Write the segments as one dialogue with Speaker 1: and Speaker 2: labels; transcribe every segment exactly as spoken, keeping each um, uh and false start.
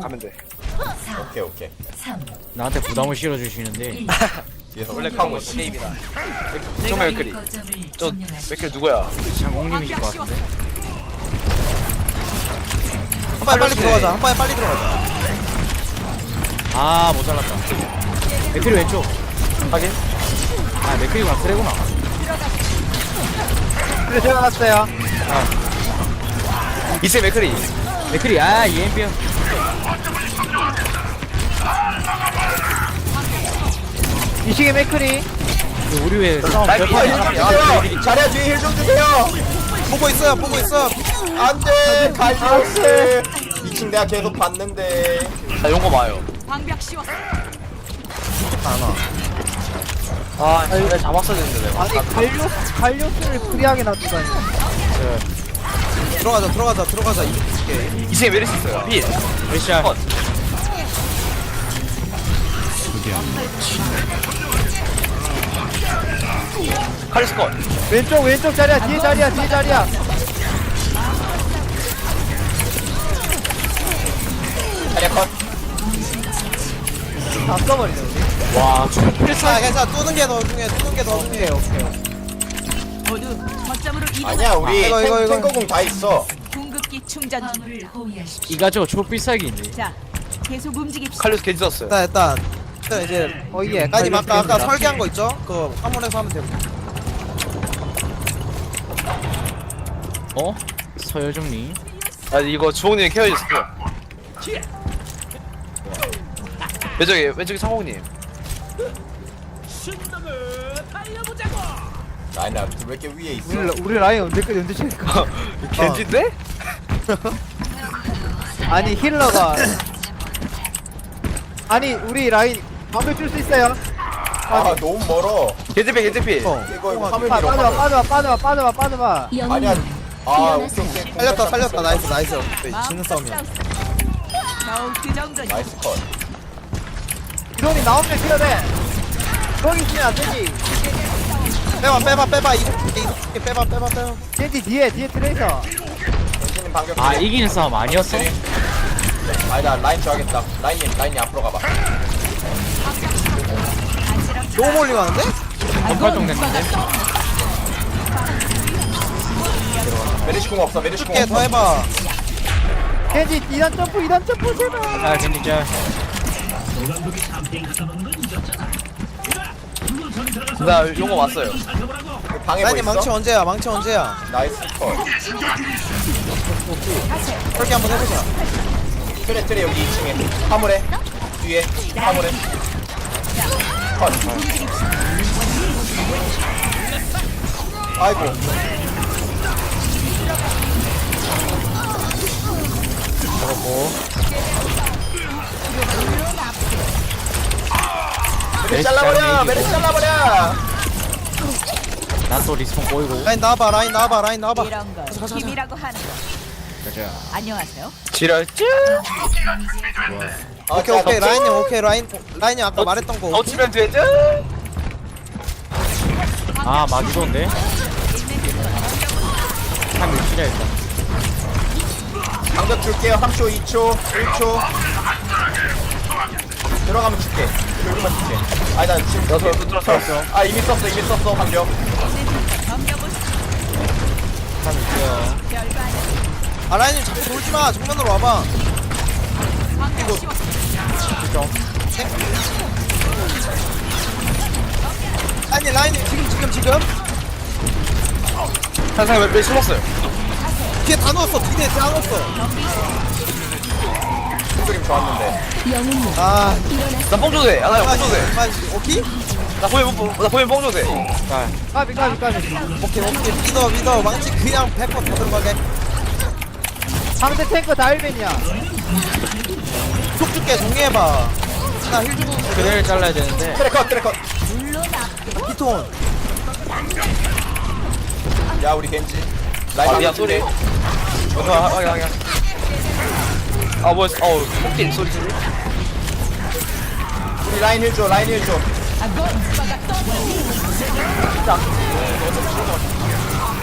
Speaker 1: 가면 돼.
Speaker 2: 오케이 오케이.
Speaker 3: 나한테 부담을 실어주시는데
Speaker 2: 뒤에서
Speaker 1: 원래
Speaker 2: 하고
Speaker 1: 그런
Speaker 2: 있어.
Speaker 1: 게임이다. 정말 맥크리. 저 맥크리 누구야?
Speaker 3: 장공님이실 것 같은데.
Speaker 4: 한 번에 빨리 들어가자. 한 번에 빨리 들어가자.
Speaker 3: 아 모자랐다. 맥크리 왼쪽.
Speaker 1: 확인.
Speaker 3: 아 맥크리가 그래구나.
Speaker 4: 그래 제가 갔어요.
Speaker 1: 이세 맥크리.
Speaker 3: 맥크리 아 이엠피형.
Speaker 4: 이식의 맥크리.
Speaker 3: 우리 왜 싸움
Speaker 1: 날
Speaker 3: 별판
Speaker 1: 피해,
Speaker 3: 하나
Speaker 1: 힐 좀
Speaker 3: 안
Speaker 1: 주세요.
Speaker 2: 자리야 뒤에 힐 좀 주세요.
Speaker 4: 보고 있어요. 보고 있어.
Speaker 2: 안돼 갈리오스. 이 층 내가 계속 봤는데.
Speaker 1: 나 용거 봐요.
Speaker 5: 방벽 씌웠어.
Speaker 1: 아, 내가 잡았어야 되는데 내가.
Speaker 4: 아니 갈료 갈료스를 프리하게 놔두다니. 들어가자. 들어가자. 들어가자. 이식게.
Speaker 1: 이세 메르시 있어요. 필.
Speaker 3: 러시아.
Speaker 1: 컷. 카리스 컷.
Speaker 4: 왼쪽 왼쪽 자리야. 뒤에 자리야. 뒤에 자리야.
Speaker 2: 자리야 컷.
Speaker 4: 다 써버리네 우리.
Speaker 3: 와 저-
Speaker 4: 괜찮아 괜찮아. 뚜는 게 더 중요해. 뚜는 게 더 중요해. 오케이
Speaker 5: 모두 거점으로 이동.
Speaker 2: 아니야 우리
Speaker 4: 이거, 이거,
Speaker 2: 탱-
Speaker 4: 이거.
Speaker 2: 탱커공 다 있어.
Speaker 5: 궁극기 충전 중.
Speaker 3: 이가 저 초비싸기인데.
Speaker 5: 자, 계속 움직입시다.
Speaker 1: 칼리스 겐지 썼어요.
Speaker 4: 일단 일단 일단 이제 어 이게 아니 아까 아까 설계한 거 있죠? 그 화물에서 하면 되고.
Speaker 3: 어? 서여정님.
Speaker 1: 아, 이거 주홍님 케어해줬어요. 왼쪽에, 왼쪽에 상홍님.
Speaker 2: 아니 나왜 이렇게 위에 있어?
Speaker 4: 우리 우리 라인 언제까지 언제 칠까?
Speaker 1: 겐지인데?
Speaker 4: 아니 힐러가 아니 우리 라인 방벽 줄 수 있어요?
Speaker 2: 아 너무 멀어.
Speaker 1: 겐지피, 겐지피.
Speaker 4: 어.
Speaker 2: 이거 이거
Speaker 4: 빠-
Speaker 2: 화물
Speaker 4: 빠져봐
Speaker 2: 밀어.
Speaker 4: 빠져봐 빠져봐 빠져봐 빠져봐.
Speaker 2: 아니야. 아 오케이 오케이.
Speaker 4: 살렸다 살렸다 나이스 나이스. 지는 싸움이야.
Speaker 5: 겨우 그 정도니.
Speaker 2: 나이스 컷.
Speaker 4: 이론이 나오면 킬러돼. 거기 있으면 안 되지. 빼봐 빼봐 빼봐 이거 이거 빼봐 빼봐 빼봐. 겐지 뒤에 뒤에 트레이서.
Speaker 2: 당신은 반격.
Speaker 3: 아 이기는 싸움 아니었어?
Speaker 2: 아니다 라인 줘야겠다. 라인님 라인님 앞으로 가봐.
Speaker 4: 너무 멀리 가는데?
Speaker 3: 번갈정 됐는데.
Speaker 2: 메리시 공 없어. 메리시 공
Speaker 4: 줄게 더
Speaker 2: 없어.
Speaker 4: 해봐. 겐지 이단 점프 이단 점프 제발.
Speaker 3: 아 겐지자.
Speaker 1: 나 용거 왔어요.
Speaker 2: 방에 뭐
Speaker 4: 라인이
Speaker 2: 있어?
Speaker 4: 망치 언제야? 망치 언제야?
Speaker 2: 나이스 컷.
Speaker 4: 그렇게 한번 해보자.
Speaker 2: 트레 트레 여기 이 층에 화물에 뒤에 화물에 컷. 아이고. 메리 잘라버려. 메리 잘라버려.
Speaker 3: 난 또 리스폰 보이고.
Speaker 4: 라인 나와봐 라인 나와봐 라인 나와봐.
Speaker 5: 이런 걸 힘이라고 하는 거.
Speaker 3: 가자.
Speaker 5: 안녕하세요.
Speaker 1: 지랄.
Speaker 2: 아,
Speaker 4: 오케이
Speaker 2: 자,
Speaker 4: 오케이
Speaker 2: 덮치?
Speaker 4: 라인님 오케이 라인 라인이 아까
Speaker 1: 어,
Speaker 4: 말했던 거.
Speaker 1: 더 치면 되죠?
Speaker 3: 아 마주도인데. 참 밀치자 일단.
Speaker 2: 방벽 줄게요. 삼 초, 이 초, 일 초. 들어가면 줄게. 들어가면 줄게. 아니 나 지금
Speaker 1: 나 저- 저- 저- 저-
Speaker 2: 아 이미 썼어. 이미 썼어. 방벽.
Speaker 3: 참 밀게요.
Speaker 4: 아 라인님 자꾸 돌지 마. 정면으로 와봐.
Speaker 5: 방벽 씌웠어.
Speaker 4: 아니 라인님 지금 지금 지금
Speaker 1: 한상 몇, 몇 심었어요.
Speaker 4: 뒤에 다 넣었어. 뒤에 다 넣었어.
Speaker 2: 그림 좋았는데.
Speaker 4: 아,
Speaker 1: 나뽕 줘도 돼. 아, 나뽕 줘도 돼.
Speaker 4: 빠지. 오케이?
Speaker 1: 나 보면, 뽕- 나 보면 뽕 줘도 돼.
Speaker 3: 자
Speaker 4: 까비 까비 까비. 오케이 오케이. 믿어 믿어. 망치 그냥 백 번 더 들어가게. 상대 탱커 다 일벤이야. 속 줄게 정리해봐. 나 힐 주고
Speaker 3: 그래를 잘라야 되는데.
Speaker 2: 트레 컷. 트레 컷.
Speaker 4: 피톤.
Speaker 2: 야 우리 겐지. 라인
Speaker 1: 아,
Speaker 2: 방벽
Speaker 1: 야, 소리.
Speaker 2: 줄게.
Speaker 1: 어, 아, 아, 아, 아. 아, 뭐야, 어우, 폭딜 소리 들리?
Speaker 2: 우리 라인 힐 줘. 라인 힐 줘.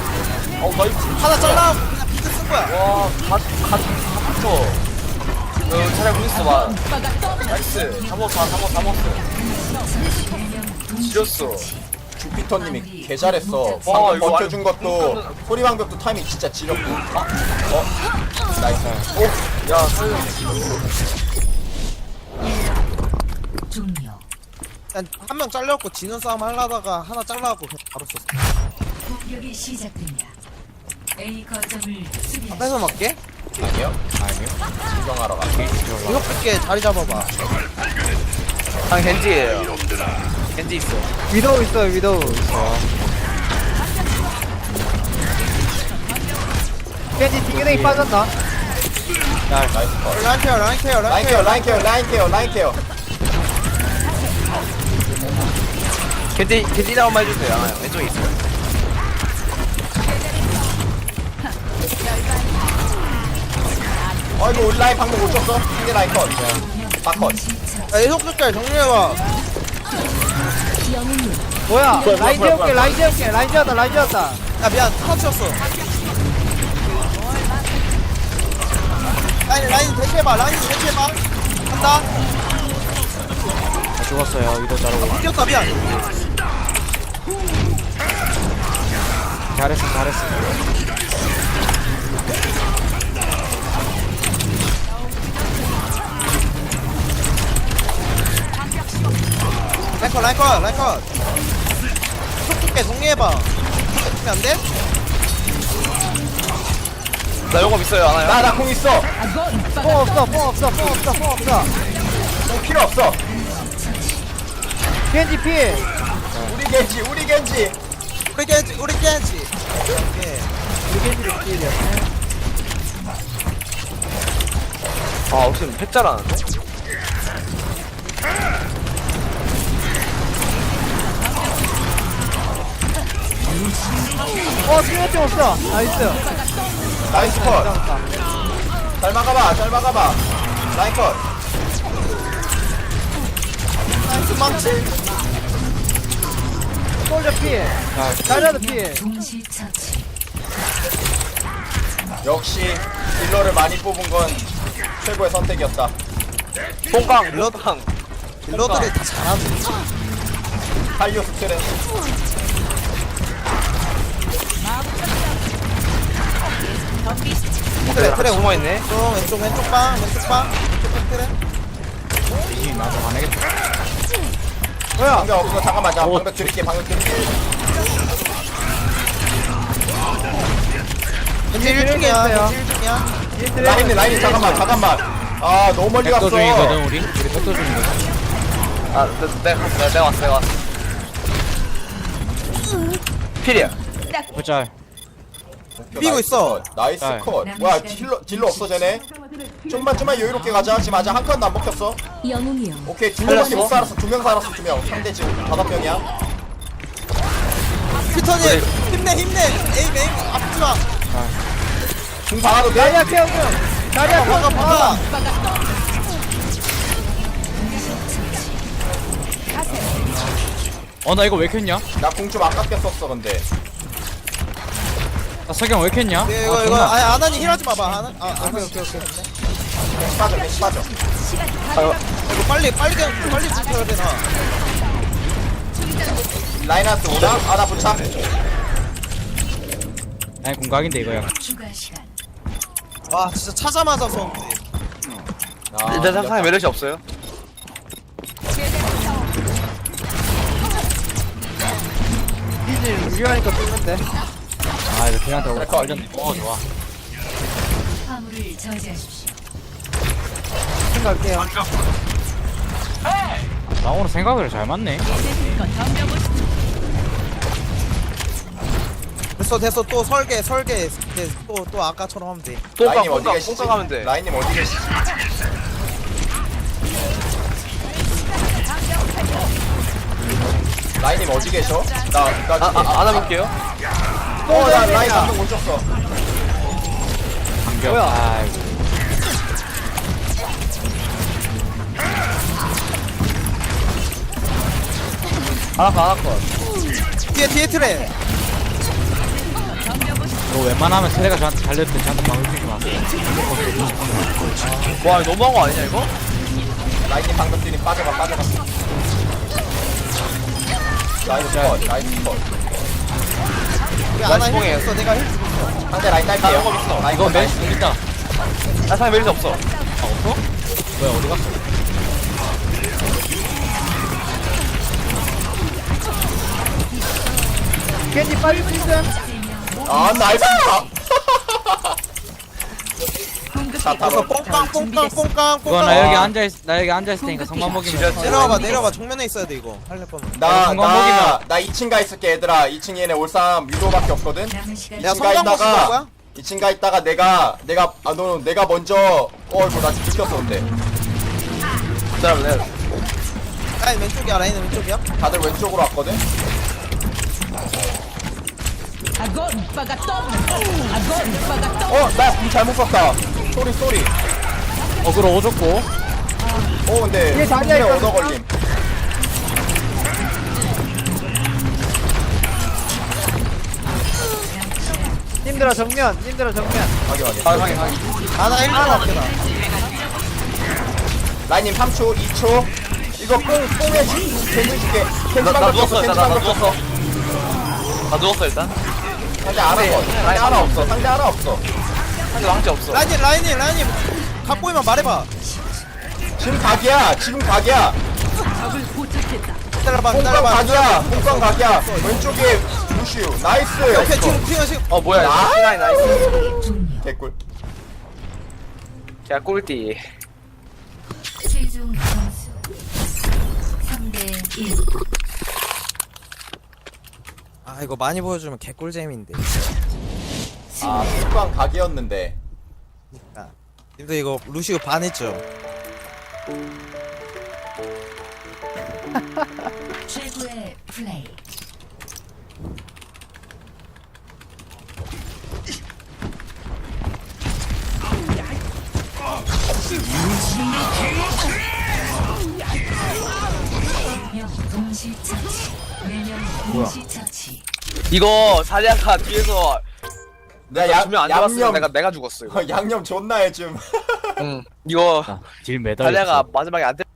Speaker 1: 어, 나 이거,
Speaker 4: 하나 잘라. 그냥 비트 쓴 거야.
Speaker 1: 와, 갓, 갓, 갓, 갓, 그 차라리 공 있어 봐. 나이스. 다 먹었어, 다 먹었어, 다 먹었어. 지렸어.
Speaker 2: 주피터님이 개 잘했어.
Speaker 1: 와,
Speaker 2: 방금
Speaker 1: 이거
Speaker 2: 버텨준
Speaker 1: 완전-
Speaker 2: 것도 소리방벽도 타이밍 진짜 지렸고. 아, 어, 나이스. 오,
Speaker 1: 야, 살려.
Speaker 5: 종료.
Speaker 4: 한 명 잘렸고 지는 싸움 하려다가 하나 잘라갖고 그냥 바로 썼어.
Speaker 5: 공격이 시작됩니다. A 거점을 수비하십시오.
Speaker 4: 뺏어 먹게?
Speaker 2: 아니요.
Speaker 3: 아니요.
Speaker 2: 진정하러 갈게.
Speaker 4: 이거 뺄게 자리 잡아봐.
Speaker 1: 아, 겐지예요. 겐지 있어.
Speaker 3: 위도우 있어요, 위도우. 있어. 겐지 딩그댕이 빠졌나?
Speaker 2: 나이스 컷.
Speaker 4: 라인 케어 라인 케어 라인
Speaker 2: 라인
Speaker 4: 케어.
Speaker 2: 케어, 라인 케어, 라인 케어, 라인 케어.
Speaker 1: 겐지, 겐지 나온만 해주세요. 아, 왼쪽에 있어요.
Speaker 2: 아이고, 우리 라인 방금 못 쳤어. 상대 라인 컷. 다 컷.
Speaker 4: 야 이속 줄게 정리해봐.
Speaker 3: 뭐야?
Speaker 1: 뭐야,
Speaker 3: 라인
Speaker 1: 뭐야,
Speaker 3: 재울게,
Speaker 1: 뭐야.
Speaker 3: 라인 재울게, 라인 재웠다, 라인 재웠다.
Speaker 4: 야 미안 터치였어. 라인 라인 대체해봐 라인 대체해봐. 간다.
Speaker 3: 죽었어요, 위도우 자르고.
Speaker 4: 뛰었다 미안.
Speaker 3: 잘했어, 잘했어.
Speaker 4: 라인 컷 라인 컷 라인 컷. 속 줄게 정리해봐. 정리 안 돼?
Speaker 1: 나 용업 있어요, 안 와요?
Speaker 2: 나, 나 공 있어.
Speaker 3: 뽕 없어, 뽕 없어, 뽕 없어, 뽕 없어.
Speaker 2: 공 필요 없어.
Speaker 3: 겐지 필.
Speaker 2: 우리 겐지, 우리 겐지.
Speaker 4: 우리 겐지 우리 겐지. 오케이.
Speaker 3: 우리 겐지를 필이야.
Speaker 1: 아, 혹시 팩 잘하는데?
Speaker 3: 어, 필요할 점 없어. 나이스.
Speaker 2: 나이스 컷.
Speaker 3: 잡았다.
Speaker 2: 잘 막아봐, 잘 막아봐. 라인 컷.
Speaker 4: 나이스 망치.
Speaker 3: 솔저 필. 자리아도 필.
Speaker 5: 동시 처치.
Speaker 2: 역시 딜러를 많이 뽑은 건 최고의 선택이었다.
Speaker 1: 뽕깡, 뽕깡.
Speaker 4: 딜러들이 다 잘하네.
Speaker 2: 탈리오 스트레.
Speaker 4: 그래 그래
Speaker 1: 숨어있네.
Speaker 4: 왼쪽 왼쪽 왼쪽 방 왼쪽 방 왼쪽 그래.
Speaker 3: 뭐야?
Speaker 2: 방벽 없어. 잠깐만, 자 방벽 드릴게, 방벽 드릴게.
Speaker 4: 겐지 일 중이야 겐지 일 중이야.
Speaker 2: 라인이, 라인이 잠깐만, 잠깐만. 아, 너무 멀리 갔어.
Speaker 3: 백도 중이거든, 우리. 우리 백도 중이거든.
Speaker 1: 아, 내, 내가, 내가, 내가 왔어, 내가 왔어. 필이야.
Speaker 3: 보자.
Speaker 4: 비고 있어.
Speaker 2: 나이스
Speaker 3: 잘.
Speaker 2: 컷. 뭐야, 딜러, 딜러 없어, 쟤네? 좀만, 좀만 여유롭게 가자. 지금 아직 한 칸도 안 먹혔어.
Speaker 5: 영웅이요.
Speaker 2: 오케이, 두 명밖에 못 살았어. 두 명 살았어, 두 명. 상대 지금 다섯 명이야.
Speaker 4: 피터님 힘내 힘내. 에임 에임 아프지 마.
Speaker 2: 중 박아도 돼?
Speaker 3: 자리아 케어 좀. 자리아
Speaker 4: 박아
Speaker 3: 케어
Speaker 4: 박아.
Speaker 3: 어, 나 이거 왜 켰냐?
Speaker 2: 나 공 좀 아깝게 썼어, 근데.
Speaker 3: 나 석영 왜 켰냐?
Speaker 4: 네, 이거 이거 아니 아나니 힐하지 마봐. 아나 아 오케이 오케이 오케이.
Speaker 2: 맹 빠져, 맹 빠져.
Speaker 4: 이거 빨리 빨리 그냥 빨리 붙여야 되나?
Speaker 2: 라인하트 오나? 아, 나 부착.
Speaker 3: 아니, 공각인데, 이거 야.
Speaker 5: 추가 시간.
Speaker 4: 와 진짜 차자마자 서.
Speaker 2: 아,
Speaker 1: 내 상상에 매력이 없어요.
Speaker 3: 피지 유리하니까 뚫는데. 아, 이거 걔한테 오고
Speaker 2: 컷.
Speaker 3: 걸렸네. 어, 좋아.
Speaker 5: 화물을 저지하십시오.
Speaker 3: 생각할게요. 나 오늘 생각을 잘 맞네.
Speaker 4: 됐어 됐어 또 설계 설계 또또 또 아까처럼 하면 돼.
Speaker 1: 뽕깡,
Speaker 2: 라인님 어디
Speaker 1: 뽕깡,
Speaker 2: 계시지?
Speaker 1: 뽕깡 하면 돼.
Speaker 2: 라인님 어디 계시지? 라인님 어디 계셔? 나, 나
Speaker 1: 아,
Speaker 2: 중에.
Speaker 1: 아, 안아볼게요.
Speaker 2: 어, 나 라인 방금 못 쳤어.
Speaker 3: 반격. 뭐야? 아이고.
Speaker 1: 안아컷, 안아컷.
Speaker 4: 뒤에 뒤에 트레.
Speaker 3: 이거 웬만하면 트레가 저한테 잘렸을 때 저한테 방울 주지 마세요.
Speaker 1: 와 이거 너무한 거 아니냐 이거?
Speaker 2: 라인님 방금 뛰니 빠져봐 빠져봐. 나이스 컷 나이스 컷.
Speaker 4: 우리 아나 힐
Speaker 1: 뽕이에요.
Speaker 4: 있어 내가 힐
Speaker 2: 상대 라인
Speaker 1: 나
Speaker 2: 딸게요.
Speaker 1: 이거 있어.
Speaker 2: 라인
Speaker 1: 이거
Speaker 2: 컷,
Speaker 1: 메리스
Speaker 2: 나이스.
Speaker 1: 있다. 나 상대 메리스 없어.
Speaker 3: 뭐야 어디 갔어?
Speaker 4: 겐지 빨리 prism
Speaker 2: 아 나이스. 자
Speaker 4: 가서
Speaker 2: 타고.
Speaker 4: 뽕깡 뽕깡 뽕깡
Speaker 3: 이거 나
Speaker 4: 뽕깡
Speaker 3: 여기 앉아있 나 여기 앉아있을 테니까 성만 먹이면
Speaker 4: 내려와봐 내려와봐 정면에 있어야 돼 이거 할래 거면
Speaker 2: 나,
Speaker 3: 성공
Speaker 2: 나,
Speaker 3: 먹이면-
Speaker 2: 나 이 층 가 있을게, 얘들아. 이 층 얘네 올 사람 위도밖에 없거든?
Speaker 5: 남은 시간
Speaker 4: 내가
Speaker 2: 이 층 가
Speaker 4: 성광 먹을
Speaker 2: 있다가,
Speaker 4: 거야?
Speaker 2: 이 층 가 있다가 내가, 내가, 아, 너, 내가 먼저, 어이구, 나 지금 느꼈어, 근데.
Speaker 1: 기다려 내가.
Speaker 4: 라인 왼쪽이야 라인 왼쪽이야?
Speaker 2: 다들 왼쪽으로 왔거든? 어, 나궁 잘못 썼다. 쏘리, 쏘리.
Speaker 3: 어그로 오졌고
Speaker 2: 어, 근데,
Speaker 4: 이게 자리야,
Speaker 2: 궁에
Speaker 4: 이거.
Speaker 2: 얻어 걸림.
Speaker 6: 님들아 정면 님들아 정면
Speaker 2: 확인, 확인.
Speaker 1: 아 확인 확인.
Speaker 4: 아나 힐 좀 앞에다
Speaker 2: 라인님 삼 초, 이 초. 이거 뽕, 뽕에 캔슬 줄게. 캔슬
Speaker 1: 나, 나
Speaker 2: 방금
Speaker 1: 누웠어
Speaker 2: 쳤어,
Speaker 1: 일단
Speaker 2: 캔슬
Speaker 1: 나, 나
Speaker 2: 방금
Speaker 1: 누웠어.
Speaker 2: 쳤어.
Speaker 1: 나 누웠어 일단.
Speaker 2: 상대 하나 없어. 상대 하나 없어. 상대 하나 없어.
Speaker 1: 상대 왕치 없어.
Speaker 4: 라인이 라인이 라인이 각 보이면 말해봐
Speaker 2: 지금 각이야. 지금 각이야.
Speaker 4: 기다려봐
Speaker 2: 뽕광
Speaker 4: 기다려봐
Speaker 2: 각이야. 뽕광 각이야. 왼쪽에 루시우. 나이스.
Speaker 4: 오케이 지금 지금 지금
Speaker 1: 어 뭐야 이거.
Speaker 2: 아!
Speaker 1: 나이 나이스.
Speaker 5: 종료.
Speaker 2: 개꿀.
Speaker 1: 야 꿀띠.
Speaker 5: 최종 점수 삼 대 일.
Speaker 4: 아 이거 많이 보여주면 개꿀잼인데
Speaker 2: 아, 뽕광 각이었는데.
Speaker 4: 아, 님들 이거 루시우 반했죠?
Speaker 5: 최고의 플레이. 명 동시 처치. 매명 동시 처치.
Speaker 1: 이거 사리아가 뒤에서
Speaker 2: 내가 양,
Speaker 1: 두명 안 잡았으면
Speaker 2: 양념,
Speaker 1: 내가 내가 죽었어 이거.
Speaker 2: 양념 존나 해줌.
Speaker 1: 응. 이거
Speaker 3: 딜 매달렸어
Speaker 1: 사리아가 마지막에 안 때.